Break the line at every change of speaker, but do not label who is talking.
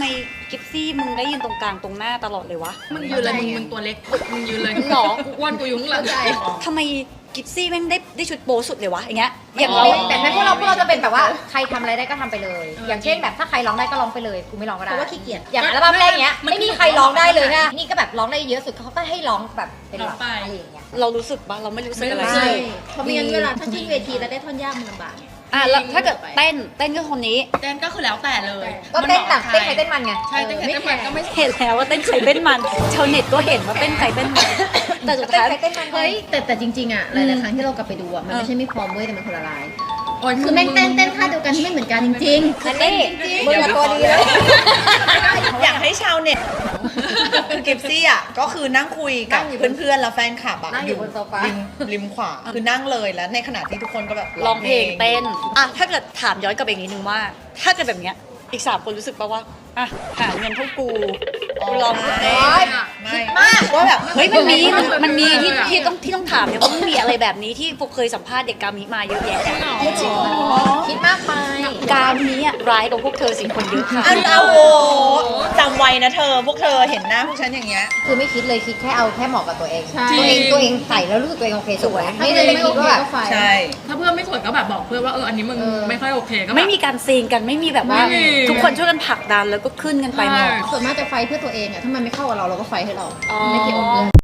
กิฟซี่มึงได้ยืนตรงกลางตรงหน้าตลอดเลยวะ
มึงยืนเลยมึงตัวเล็กมึงยืนเลย
หรอ
กูอ้วนกูยุ่งหลัง
ทำไมกิฟซี่แม่งได้ชุดโปสุดเลยวะอย่างเงี้ยอย่าง
เรา
เรา
แต่ในพวกเราจะเป็นแบบว่าใครทำอะไรได้ก็ทำไปเลย อย่างเช่นแบบถ้าใครร้องได้ก็ร้องไปเลยกูไม่ร้องก็ได้เพราะว่าขี้เกียจอย่างอัลบั้มแรกเนี้ยไม่มีใครร้องได้เลยนะนี่ก็แบบร้องได้เยอะสุดเขาก็ให้ร้องแบบเป็นหลักอะไรอย่างเงี้ย
เรารู้สึกปะเราไม่รู้สึกอะไร
ใช่เพราะไม่งั้นเวลาถ้าขึ้นเวทีแล้วได้ท่อนยากมันลำบากไง
แล้วถ้าเกิดเต้นก็คนนี้
เต้นก็คือแล้วแต่เลย
ก็เต้นแบบเต้นใครเต้นมันไง
ใช่เต้นใครเต้นมันก็ไม่
เห็นแล้วว่าเต้นใครเต้นมันชาวเน็ตก็เห็นว่าเต้นใครเต้นมันแต่สุด
เต้น
ท้าย
ใครเต้นมัน
เฮ้ยแต่จริงๆอ่ะหลายๆครั้งที่เรากลับไปดูอ่ะมันไม่ใช่ไม่พร้อมเว้ยแต่มันคนละลาย
โอ้ย
คือแม่งเต้นท่าเดียวกันที่ไม่เหมือนกันจริง
อันนี้มึงอะตัวดีเลย
อยากให้ชาวเน็ตกิฟซี่อ่ะก็คือนั่งคุยกับเพื่อนๆแล้วแฟนคลับอ่ะ
นั่งอยู่บนโซฟา
ริมขวาคือนั่งเลยแล้วในขณะที่ทุกคนก็แบบ
ร้องเพลงเต้นถ้าเกิดถามย้อนกลับไปอีกนิดนึงว่า ถ้าเกิดแบบเนี้ยอีก3คนรู้สึกป่ะว่าหาเงินเท่ากูร้องเพลง
ไม่ว่าแบบ
เฮ้ยมันมีที่ต้องถามเนี่ยว่ามันมีอะไรแบบนี้ที่พวกเคยสัมภาษณ์เด็กกามิมาเยอะแยะ
คิดมากไป
กามิอะร้ายกว่าพวกเธอ10 คนเยอะค่ะ
เอาโหจำไว้นะเธอพวกเธอเห็นหน้าพวกฉันอย่างเงี้ย
คือไม่คิดเลยคิดแค่เอาแค่เหมาะกับตัวเอง
ใช่
ตัวเองใส่แล้วรู้สึกตัวเองโอเคสวย
ๆ
ไม่ได้เลย
ไม่
คิ
โอ
ด
เค
ว่าแบบ
ก็ไฟ
ใช่
ถ้าเพื่อนไม่สวยก็แบบบอกเพื่อนว่าอันนี้มึงไม่ค่อยโอเคก็แบบ
ไม่มีการซีนกันไม่มีแบบว่า
ไม่มี
ทุกคนช่วยกันผลักดันแล้วก็ขึ้นกันไปหมด
ส่วนมากจะไฟเพื่อตัวเองอ่ะถ้ามันไม่เข้ากับเราเราก็ไฟให้เรา
อ๋อ
ไม่เกี่ยวกับเพื่อน